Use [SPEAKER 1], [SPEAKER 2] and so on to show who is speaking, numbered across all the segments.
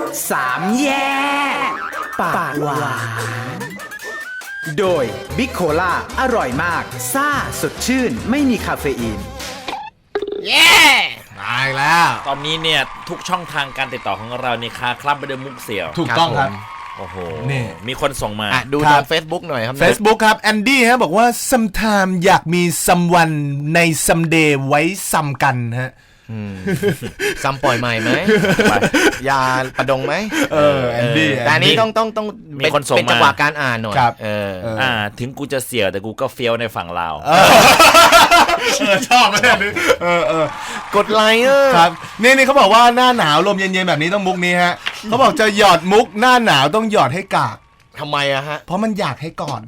[SPEAKER 1] สามแย่ปากหวานโดยบิ๊กโคล่าอร่อยมากซ่าสดชื่นไม่มีคาเฟอีน
[SPEAKER 2] เย้
[SPEAKER 3] มาอีกแล้ว
[SPEAKER 2] ตอนนี้เนี่ยทุกช่องทางการติดต่อของเราเนี่ยคาคลับไปด้วยมุกเสี่ยว
[SPEAKER 3] ถูกต้องครับ
[SPEAKER 2] โอ้โห
[SPEAKER 3] นี่
[SPEAKER 2] มีคนส่งมา
[SPEAKER 4] ดูทาง Facebook หน่อยครับ
[SPEAKER 3] Facebook ครับแอนดี้ฮะบอกว่า sometime อยากมี someone ใน someday ไว้ซ้ำกันฮะ
[SPEAKER 4] ซ้ำปล่อยใหม่ไหมยาประดงไหม
[SPEAKER 3] แอนดี้
[SPEAKER 4] แต่อันนี้ต้อง
[SPEAKER 2] มีคนส่งมา
[SPEAKER 4] เป็นจังหวะการอ่านหน่อย
[SPEAKER 3] ครับ
[SPEAKER 2] ถึงกูจะเสี่ยวแต่กูก็เฟี้ยวในฝั่งเรา
[SPEAKER 3] ชอบไหมเนี่ย
[SPEAKER 4] กดไลค์
[SPEAKER 3] ครับนี่เขาบอกว่าหน้าหนาวลมเย็นๆแบบนี้ต้องมุกนี้ฮะเขาบอกจะหยอดมุกหน้าหนาวต้องหยอดให้กาก
[SPEAKER 4] ทำไมอะฮะ
[SPEAKER 3] เพราะมันอยากให้กอด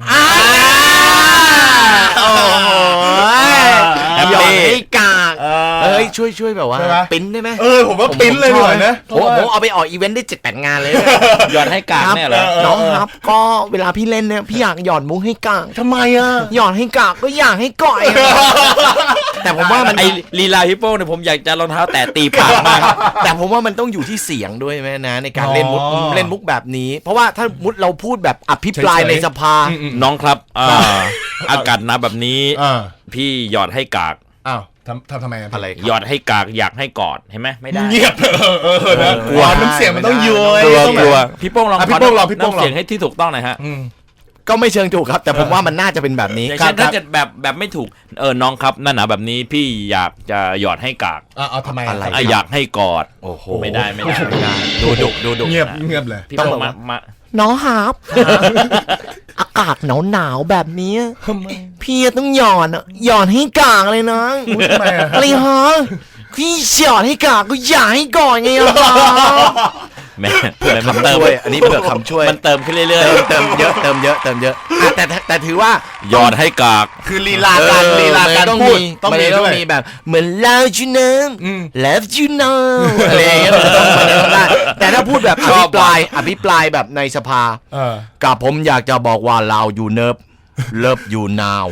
[SPEAKER 4] โอ้โหหยอดให้กากเฮ้ยช่วยแบบว่าปิ้นได้ไหม
[SPEAKER 3] ผมว่าปิ้นเลยหน่อยนะ
[SPEAKER 4] ผมเอาไปออกอีเวนต์ได้7-8 งานเลย
[SPEAKER 2] หยอดให้กากเนี่ยเหรอ
[SPEAKER 4] น้องครับก็เวลาพี่เล่นเนี่ยพี่อยากหยอดมุกให้กาก
[SPEAKER 3] ทำไมอะ
[SPEAKER 4] หยอดให้กากก็อยากให้ก่อยแต่ผมว่ามัน
[SPEAKER 2] ไอลีลาฮิปโป้เนี่ยผมอยากจะรองเท้าแตะตีปากมาก
[SPEAKER 4] แต่ผมว่ามันต้องอยู่ที่เสียงด้วยไหมนะในการเล่นมุกแบบนี้เพราะว่าถ้ามุดเราพูดแบบอภิปรายในสภา
[SPEAKER 2] น้องครับอากาศหนาวแบบนี้พี่หยอดให้กาก
[SPEAKER 3] อ้าวทำไม
[SPEAKER 4] อะไร
[SPEAKER 2] หยอดให้กากอยากให้กอดเห็นไหมไม่ได้
[SPEAKER 3] เงียบนะกลัวน้ำเสียงมันต้องย้อย
[SPEAKER 2] กลัวพี่โป้งลองน้ำเสียงให้ที่ถูกต้องหน่อยฮะ
[SPEAKER 4] ก็ไม่เชิงถูกครับแต่ผมว่ามันน่าจะเป็นแบบนี้
[SPEAKER 2] ถ้าเกิดแบบไม่ถูกน้องครับนั่นหนาแบบนี้พี่อยากจะหยอดให้กาก
[SPEAKER 3] เอาทำไม
[SPEAKER 4] อะไร
[SPEAKER 2] อยากให้กอด
[SPEAKER 4] โอ้โห
[SPEAKER 2] ไม่ได้ดูดุ
[SPEAKER 3] เงียบเลย
[SPEAKER 2] พี่โป้งมา
[SPEAKER 4] น้องครับอากาศหนาวแบบนี้พี่ต้องหยอดให้กากเลยนะอะไรฮะพี่หยอดให้กากก็อยากให้ก่อนไงล่ะ
[SPEAKER 2] แม่มันเติม
[SPEAKER 4] อันนี้เผื่อคำช่วย
[SPEAKER 2] มันเติมขึ้นเรื่อย
[SPEAKER 4] ๆเติมเยอะแต่ถือว่า
[SPEAKER 2] หยอดให้กาก
[SPEAKER 3] คือลีลาการ
[SPEAKER 4] ต้อง
[SPEAKER 3] พูด
[SPEAKER 4] ต้องมีแบบเหมือน love you know love you know อะไรอย่างเงี้ยต้องได้แต่ถ้าพูดแบบอภิปรายแบบในสภากับผมอยากจะบอกว่าเราอยู่เลิฟอยู่นาว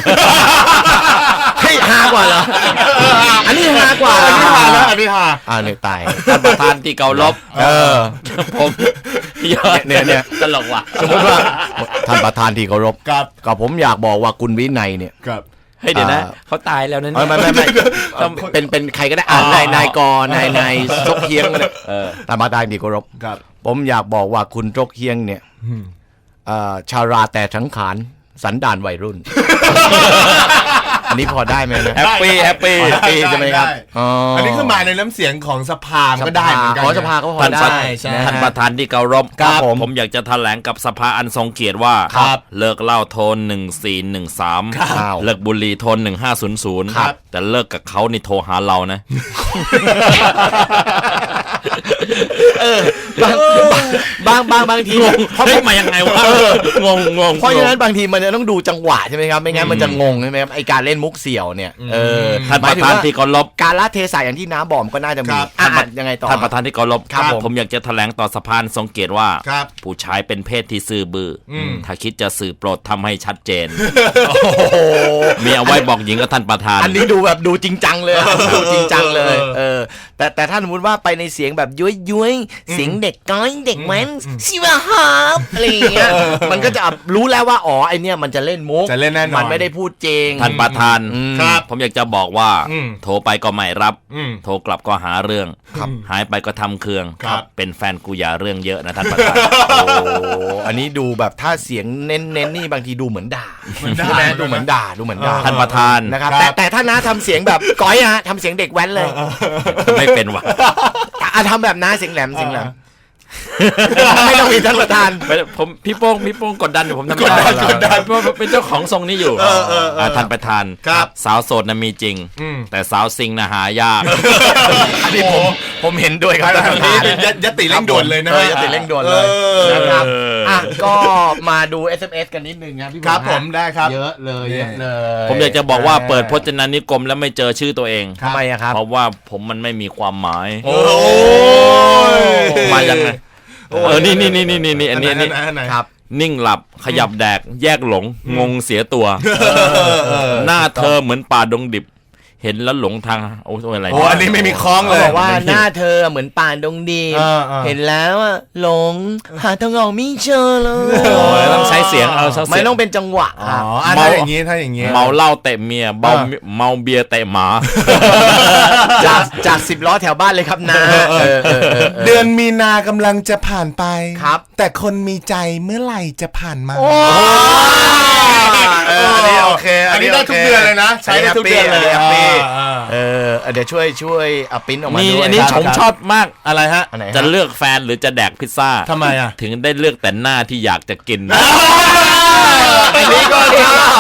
[SPEAKER 4] ให้ฮากว่าเหรออันนี้ฮากว่า
[SPEAKER 3] อันนี้ฮา
[SPEAKER 4] เนี่ยตาย
[SPEAKER 2] ท่านประธานที่เกาลบผมเนี่ยตลกว่ะ
[SPEAKER 4] สมมติว่าท่านประธานที่เคารพกับผมอยากบอกว่าคุณวินัยเนี่ย
[SPEAKER 2] เฮ้ยเดี๋ยวนะเขาตายแล้วนั่น
[SPEAKER 4] ไม่เป็นใครก็ได้นายกนายซกเฮียงเนี่ยท่านประธานที่เคารพผมอยากบอกว่าคุณซกเฮียงเนี่ยชาราแต่สังขารสันดานวัยรุ่นอันนี้พอได้ไหมนะ
[SPEAKER 2] แฮปปี้
[SPEAKER 4] ใช่ไหมครับ
[SPEAKER 3] อันนี้คือมาในน้ำเสียงของสภาก็ได้เหมือนกัน
[SPEAKER 4] สภาก็พอได้
[SPEAKER 2] ท่านประธานที่เคารพผมอยากจะแถลงกับสภาอันทรงเกียรติว่าเลิกเหล้าโทน1413เลิกบุหรี่โทน1500แต่เลิกกับเขานี่โทรหาเรานะ
[SPEAKER 4] บางที
[SPEAKER 2] เขามายังไงวะงง
[SPEAKER 4] เพราะฉะนั้นบางทีมันจะต้องดูจังหวะใช่ไหมครับไม่งั้นมันจะงงใช่ไหมครับไอการเล่นมุกเสี่ยวเนี่ย
[SPEAKER 2] ท่านประธานที่เคารพ
[SPEAKER 4] การละเทศะอย่างที่น้าบอกก็น่าจะมียังไงต่อ
[SPEAKER 2] ท่านประธานที่เคารพผมอยากจะแถลงต่อสภาทรงเกียรติว่าผู้ชายเป็นเพศที่ซื่อบื้อถ้าคิดจะสื่อโปรดทำให้ชัดเจนมีเอาไว้บอกหญิงกับท่านประธาน
[SPEAKER 4] อันนี้ดูแบบดูจริงจังเลยดูจริงจังเลยแต่ถ้าสมมติว่าไปในเสียงแบบย้วยเสียงเด็กก้อยเด็กแว้นสิวะครับอะไรอย่างเงี้ยมันก็จะรู้แล้วว่าไอเนี้ยมันจะเล่นมุก
[SPEAKER 3] จะเล่นแน่นอน
[SPEAKER 4] มันไม่ได้พูดจริง
[SPEAKER 2] ท่านประธานผมอยากจะบอกว่าโทรไปก็ไม่รับโทรกลับก็หาเรื่องหายไปก็ทำเครื่องเป็นแฟนกูอย่าเรื่องเยอะนะท่านประธาน
[SPEAKER 4] อันนี้ดูแบบถ้าเสียงเน้นนี่บางทีดูเหมือนด่าดูเหมือนด่า
[SPEAKER 2] ท่านประธาน
[SPEAKER 4] นะครับแต่ถ้าน้าทำเสียงแบบก้อยฮะทำเสียงเด็กแว้นเลย
[SPEAKER 2] ไม่เป็นว่ะ
[SPEAKER 4] ทำแบบน้าเสียงแหลมไม่ต้องมีท่านประธาน
[SPEAKER 2] ผมพี่โป้งกดดันอยู่ผมทำไม่ได้เพราะเป็นเจ้าของทรงนี้อยู่ท่านประธานสาวโสดน่ะมีจริงแต่สาวซิงน่ะหายาก
[SPEAKER 4] อันนี้ผมเห็นด้วยครับ
[SPEAKER 3] อันนี้เป็นยติเร่งด่วนเลยนะ
[SPEAKER 4] ยติเร่งด่วนเลยนะครับก็มาดู SMS กันนิดนึงครับพี่
[SPEAKER 3] ครับผมได้ครับ
[SPEAKER 4] เยอะเลย
[SPEAKER 2] ผมอยากจะบอกว่าเปิดพจนานุกรมแล้วไม่เจอชื่อตัวเอง
[SPEAKER 4] ทำไมครับ
[SPEAKER 2] เพราะว่าผมมันไม่มีความหมายมายังไงนี่อันนี้
[SPEAKER 4] ครับ
[SPEAKER 2] นิ่งหลับขยับแดกแยกหลงงงเสียตัวหน้าเธอเหมือนป่าดงดิบเห็นแล้วหลงทางโอ้ยอะไร
[SPEAKER 3] โอ้อันนี้ไม่มีคล้องเลย
[SPEAKER 4] บอกว่าหน้าเธอเหมือนป่านดงดีม เห็นแล้วอะหลงหาทางออกไม่เจอเลย
[SPEAKER 2] โอ้ยต้องใช้เสียงเอาสัก
[SPEAKER 4] ไม่
[SPEAKER 2] เสียง
[SPEAKER 4] ต้องเป็นจังหวะ
[SPEAKER 3] อ๋อถ้าอย่างนี้ถ้าอย่างนี้
[SPEAKER 2] เมาเหล้าเตะเมียเมาเบียร์เตะหมา
[SPEAKER 4] จาก10 ล้อแถวบ้านเลยครับนะ
[SPEAKER 3] เดือนมีนากำลังจะผ่านไป
[SPEAKER 4] ครับ
[SPEAKER 3] แต่คนมีใจเมื่อไหร่จะผ่านมา
[SPEAKER 4] อันนี้โอเค
[SPEAKER 3] อันนี้ได้ทุกเดือนเลยนะใช้ได้ทุกเดือนเลย
[SPEAKER 4] แฮปปี้เดี๋ยวช่วยเอาปริ้นออกมา
[SPEAKER 2] นี่
[SPEAKER 4] ด้วย
[SPEAKER 2] อันนี้ผมชอบมาก
[SPEAKER 3] อะไรฮะ
[SPEAKER 4] อันไหนฮะ
[SPEAKER 2] จะเลือกแฟนหรือจะแดกพิซซ่า
[SPEAKER 3] ทำไมอ่ะ
[SPEAKER 2] ถึงได้เลือกแต่หน้าที่อยากจะกิน
[SPEAKER 4] อันนี้ก็ชอบ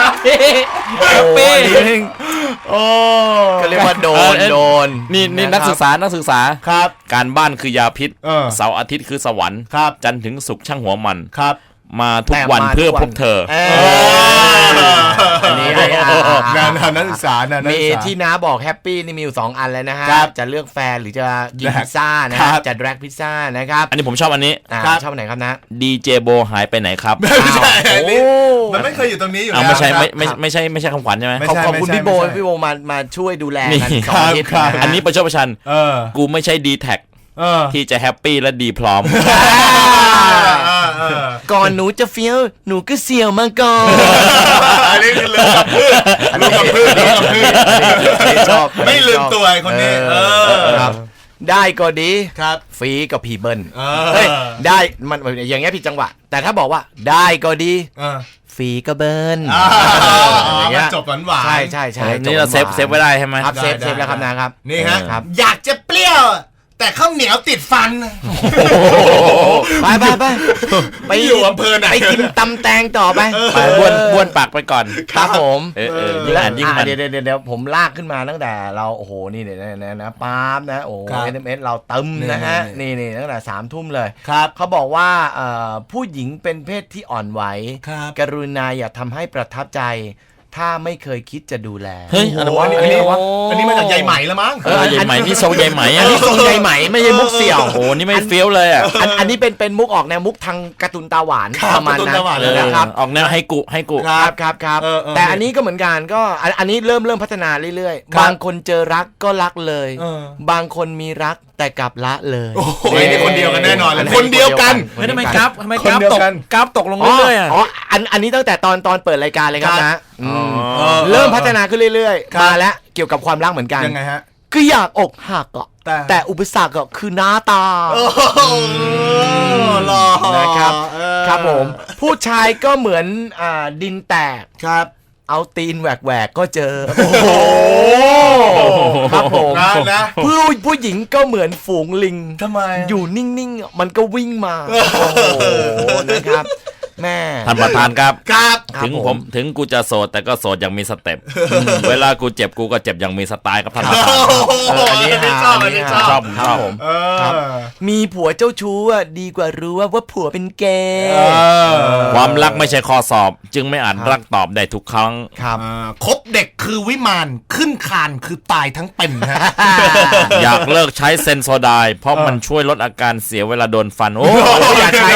[SPEAKER 4] โอ้ก็เรียกว่าโดน
[SPEAKER 2] นี่นักศึกษา
[SPEAKER 3] ครับ
[SPEAKER 2] การบ้านคือยาพิษ
[SPEAKER 3] เออ
[SPEAKER 2] เสาร์อาทิตย์คือสวรรค์
[SPEAKER 3] ครับ
[SPEAKER 2] จันทร์ถึงศุกร์ช่างหัวมัน
[SPEAKER 3] ครับ
[SPEAKER 2] มาทุกวันเพื่อพบเธอ
[SPEAKER 4] อันนี้
[SPEAKER 3] งานนักศึกษานะนัก
[SPEAKER 4] มี
[SPEAKER 3] ศึกษา
[SPEAKER 4] ที่น้าบอกแฮปปี้นี่มีอยู่2อันแล้วนะฮะ
[SPEAKER 3] ครับ
[SPEAKER 4] จะเลือกแฟนหรือจะกิน
[SPEAKER 3] แดก
[SPEAKER 4] พิซซ่านะ
[SPEAKER 3] ครั
[SPEAKER 4] ฮะ
[SPEAKER 3] บ
[SPEAKER 4] จะแดกพิซซ่านะครับ
[SPEAKER 2] อันนี้ผมชอบอันนี้
[SPEAKER 3] ครับ
[SPEAKER 4] ชอบไหนครับนะ
[SPEAKER 2] ดีเจโบหายไปไหนครับ
[SPEAKER 3] ไม่ใช่อันนี้
[SPEAKER 4] โอ้
[SPEAKER 3] มันไม่เคยอยู่ตรงนี้อยู่
[SPEAKER 2] เอา
[SPEAKER 3] แล้ว
[SPEAKER 2] ไม่ใช่
[SPEAKER 3] ครับ
[SPEAKER 2] ไม่ใช่คำขวัญใช่ไหม
[SPEAKER 3] ไม่
[SPEAKER 4] ขอบคุณ
[SPEAKER 3] ไม่ใช่
[SPEAKER 4] พี่โบ
[SPEAKER 3] ไม่ใช่
[SPEAKER 4] พี่โบมาช่วยดูแล
[SPEAKER 2] นี่
[SPEAKER 4] กัน2 อาทิตย์
[SPEAKER 3] ครับ
[SPEAKER 4] นะฮะ
[SPEAKER 2] อันนี้ประชดประชัน
[SPEAKER 3] เออ
[SPEAKER 2] กูไม่ใช่ดีแท็ก
[SPEAKER 3] เออ
[SPEAKER 2] ที่จะแฮปปี้และดีพร้อม
[SPEAKER 4] ก่อนหนูจะเฟี้ยวหนูก็เสียวมาก่อน
[SPEAKER 3] อันนี้คือลืมกับพืชลืมกับพืชลืมกับพืช
[SPEAKER 4] ชอบ
[SPEAKER 3] ไม่ลืมตัวไอ้คนนี้
[SPEAKER 4] ครับได้ก็ดี
[SPEAKER 3] ครับ
[SPEAKER 4] ฟรีก็พีเบิล
[SPEAKER 3] เอ
[SPEAKER 4] เฮ้ยได้มันอย่างเงี้ยผิดจังหวะ แต่ถ้าบอกว่าได้ก็ดี
[SPEAKER 3] เออ
[SPEAKER 4] ฟรีก็เบิล
[SPEAKER 3] มันจบหวานๆ
[SPEAKER 4] ใช่
[SPEAKER 2] นี่เราเซฟไว้ได้ใช่ไหม
[SPEAKER 4] ครับเซฟ
[SPEAKER 3] ได้
[SPEAKER 4] แล้วครับนะครับ
[SPEAKER 3] นี่ฮะ
[SPEAKER 4] ครับ
[SPEAKER 3] อยากจะเปรี้ยว แต่ข้าวเหนียวติดฟัน
[SPEAKER 4] ไปไป
[SPEAKER 3] อยู่อำเภอไหน
[SPEAKER 4] ไปกินตำแตงต่อไป
[SPEAKER 2] ไปบ้วนปากไปก่อน
[SPEAKER 4] ครับผม
[SPEAKER 2] ยิ่งอ่านยิ่งมัน
[SPEAKER 4] เดี๋ยวผมลากขึ้นมาตั้งแต่เราโอ้โหนี่เนี่ยนะป๊าบนะโอ้โห
[SPEAKER 3] ครับ
[SPEAKER 4] SMS เราตึมนะฮะ
[SPEAKER 3] นี่
[SPEAKER 4] นี่ตั้งแต่3 ทุ่มเลย
[SPEAKER 3] ครับ
[SPEAKER 4] เขาบอกว่าผู้หญิงเป็นเพศที่อ่อนไหว
[SPEAKER 3] ครับ
[SPEAKER 4] กรุณาอย่าทำให้ประทับใจ ถ้าไม่เคยคิดจะดูแล
[SPEAKER 2] เฮ้ยอะไรวะ
[SPEAKER 3] อันนี้มาจากใยไหมแล้วมั้ง
[SPEAKER 2] ใหญ่ไหมนี่ทรงใหญ่ไหม
[SPEAKER 4] อันนี้ทรงใยไหมไม่ใช่มุกเสี่ยว
[SPEAKER 2] โอ้โหนี่ไม่เฟี้ยวเลยอ่ะ
[SPEAKER 4] อันนี้เป็นมุกออกแนวมุกทางการ์ตูนตาหวาน
[SPEAKER 3] ครับ
[SPEAKER 4] ประมาณนั้น
[SPEAKER 3] การ์ตูนตาหวานเลย
[SPEAKER 4] นะครับ
[SPEAKER 2] ออกแนวให้กุ
[SPEAKER 4] ครับ แต่อันนี้ก็เหมือนกันก็อันนี้เริ่มพัฒนาเรื่อย
[SPEAKER 3] ครับ
[SPEAKER 4] ๆ บางคนเจอรักก็รักเลย บางคนมีรักแต่กลับละเลย
[SPEAKER 3] โอ้โหนี่คนเดียวกันแน่นอนเลย
[SPEAKER 4] อั
[SPEAKER 3] คนเดียวกัน
[SPEAKER 2] เฮ้ยทำไมกราฟ
[SPEAKER 3] คนเดียวกัน
[SPEAKER 2] กราฟตกลง
[SPEAKER 4] อ๋อ
[SPEAKER 2] เรื่อยๆอ่ะ
[SPEAKER 4] อ๋ออันนี้ตั้งแต่ตอนเปิดรายการเลยครับ
[SPEAKER 3] ครับ
[SPEAKER 4] นะ
[SPEAKER 2] อ๋อ
[SPEAKER 4] เริ่มพัฒนาขึ้นเรื่อย
[SPEAKER 3] ครับ
[SPEAKER 4] ๆมาแล้วเกี่ยวกับความรักเหมือนกัน
[SPEAKER 3] ยังไงฮะ
[SPEAKER 4] คืออยากอกหักอ่ะ
[SPEAKER 3] แต่
[SPEAKER 4] อุปสรรคก็คือหน้าตา
[SPEAKER 3] หล่อ
[SPEAKER 4] นะครับ ครับผม ผู้ชายก็เหมือนดินแตก
[SPEAKER 3] ครับ
[SPEAKER 4] เอาตีนแหวกก็เจอ โอ้โหครับผม
[SPEAKER 3] นะ
[SPEAKER 4] ผู้หญิงก็เหมือนฝูงลิง
[SPEAKER 3] ทำไม
[SPEAKER 4] อยู่นิ่งๆ มันก็วิ่งมา โอ้โหนะครับ แม่
[SPEAKER 2] ท่านประธานครับ
[SPEAKER 3] ครับ
[SPEAKER 2] ถึงผมถึงกูจะโสดแต่ก็โสดอย่างมีสเต็ปเวลากูเจ็บกูก็เจ็บอย่างมีสไตล์ครับท่านประธาน
[SPEAKER 3] อันนี้ชอบอันนี้ชอบ
[SPEAKER 2] ชอบผมชอบ
[SPEAKER 3] เออ
[SPEAKER 4] มีผัวเจ้าชู้อะดีกว่ารู้ว่าผัวเป็นเกย์
[SPEAKER 2] ความรักไม่ใช่ข้อสอบ จึงไม่อาจรักตอบได้ทุกครั้ง
[SPEAKER 4] ครับ
[SPEAKER 3] คบเด็กคือวิมานขึ้นคานคือตายทั้งเป็นฮะ
[SPEAKER 2] อยากเลิกใช้เซนโซไดน์เพราะมันช่วยลดอาการเสียเวลาโดนฟัน โอ้
[SPEAKER 4] อย่าใช้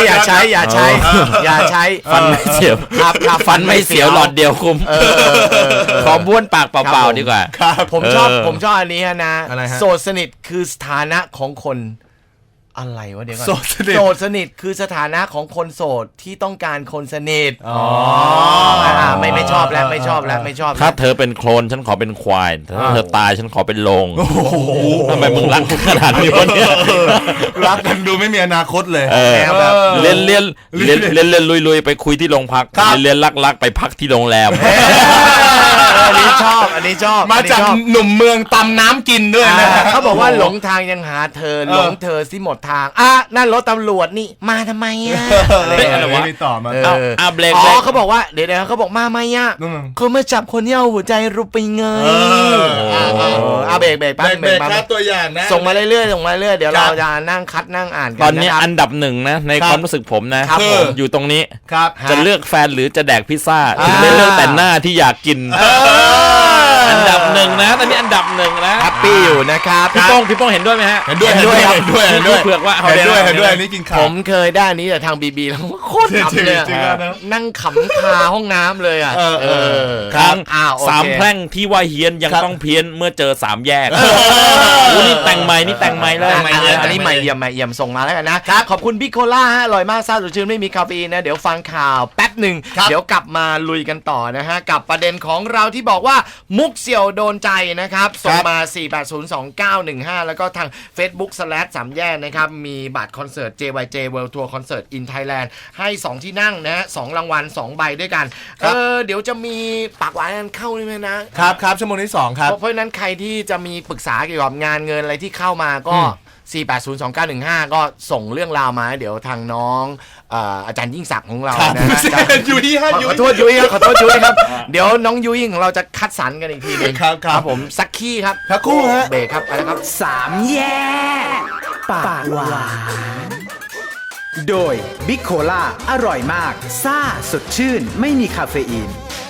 [SPEAKER 2] ฟันไม่เสียว
[SPEAKER 4] ครับ
[SPEAKER 2] ฟันไม่เสียวหลอดเดียวคุ้มขอบ้วนปากเปล่าๆดีกว่า
[SPEAKER 4] ผมชอบอันนี้นะ
[SPEAKER 3] อะไรฮะ
[SPEAKER 4] โสดสนิทคือสถานะของคนอะไรวะเดี๋ยวก่อน
[SPEAKER 3] โสดสนิท
[SPEAKER 4] โสดสนิทคือสถานะของคนโสดที่ต้องการคนสนิทไม่ชอบแล้วไม่ชอบแล้ว
[SPEAKER 2] ถ้าเธอเป็นโคลนฉันขอเป็นควายแต่ถ้าเธอตายฉันขอเป็นโลงทำไมมึงรักขนาดนี้วะเนี่ย
[SPEAKER 3] รักกันดูไม่มีอนาคตเลย
[SPEAKER 2] เล่นลุยไปคุยที่โรงพักเรียนลักไปพักที่โรงแรม
[SPEAKER 4] อันนี้ชอบ
[SPEAKER 3] มาจากหนุ่มเมืองตำน้ำกินด้วยนะ
[SPEAKER 4] เขาบอกว่าหลงทางยังหาเธอหลงเธอสิหมดทางนั่นรถตำรวจนี่มาทำไม
[SPEAKER 3] อะไรวะไม่ต่อมา
[SPEAKER 2] เบรก
[SPEAKER 4] เขาบอกว่าเดี๋ยวเขาบอกมาไหมเขามาจับคนที่เอาหัวใจรูปไปเงยเบรกแป๊บ
[SPEAKER 3] เบรกครับตัวอย่างนะ
[SPEAKER 4] ส่งมาเรื่อยเดี๋ยวเราจะนั่งคัดนั่งอ่านกัน
[SPEAKER 2] ตอนนี้อันดับหนึ่งนะในความรู้สึกผมนะครับ
[SPEAKER 3] ผม
[SPEAKER 2] อยู่ตรงนี้
[SPEAKER 3] ครับ
[SPEAKER 2] จะเลือกแฟนหรือจะแดกพิซซ่าถึงได้เลือกแต่หน้าที่อยากกินอันดับหนึ่งนะตอนนี้อันดับหนึ่งนะ
[SPEAKER 4] แฮปปี้อยู่นะครับ
[SPEAKER 2] พี่โป้งเห็นด้วยไหมฮะ
[SPEAKER 3] เห็นด้วย
[SPEAKER 2] พี่เผือกว่า
[SPEAKER 3] เห็นด้วยอันนี้กินขา
[SPEAKER 4] ผ
[SPEAKER 3] ว
[SPEAKER 4] มเคยได้อันนี้แต่ทางบีบีแล้วโคตรขำเลยอะ
[SPEAKER 3] จริงๆแล้วนะ
[SPEAKER 4] นั่งขำคาห้องน้ำเลยอ่ะ
[SPEAKER 2] ครั้ง
[SPEAKER 4] อ้าวโอเค
[SPEAKER 2] สามแพร่งที่ว่าเฮี้ยนยัง
[SPEAKER 3] ครับ
[SPEAKER 2] ต้องเพี้ยนเมื่อเจอสามแยกนี่แต่งใหม่นี่แต่งใหม่เลย
[SPEAKER 4] อันนี้ใหม่เยี่ยมส่งมาแล้วกันนะขอบคุณบิ๊กโคล่าฮะอร่อยมากซ่าสดชื่นไม่มีคาเฟอีนนะเดี๋ยวฟังข่าวแป๊บหนึ่งเดี๋ยวกลับมาลุยกันต่อนะฮะกับประเด็นของเราที่บอกว่ามุกเสี่ยวโดนใจนะครับส่งมา 4802915 แล้วก็ทาง Facebook/ สามแยกนะครับมีบัตรคอนเสิร์ต JYJ World Tour Concert in Thailand ให้ 2 ที่นั่งนะฮะ2รางวัล2ใบด้วยกันเดี๋ยวจะมีปากหวานกันเข้าด้วยนะครับ
[SPEAKER 3] ชั่วโมงที่2ครับ
[SPEAKER 4] เพราะฉะนั้นใครที่จะมีปรึกษาเกี่ยวกับงานเงินอะไรที่เข้ามาก็ 4802915 ก็ส่งเรื่องราวมาเดี๋ยวทางน้องอาจารย์ยิ่งศักดิ์ของเรานะฮะ
[SPEAKER 3] ยุ้ยฮะ
[SPEAKER 4] ขอโทษยุ้ยครับขอโทษยุ้ยครับ เดี๋ยวน้องยุ้ยของเราจะคัดสรรกันอีกทีหนึง
[SPEAKER 3] ครับ
[SPEAKER 4] ผมสักขี้ครับ
[SPEAKER 3] สักครู่ฮะ
[SPEAKER 4] เบรกครับไปแล้วครับ
[SPEAKER 1] สามแยกปากหวานโดยบิ๊กโคล่าอร่อยมากซ่าสดชื่นไม่มีคาเฟอีน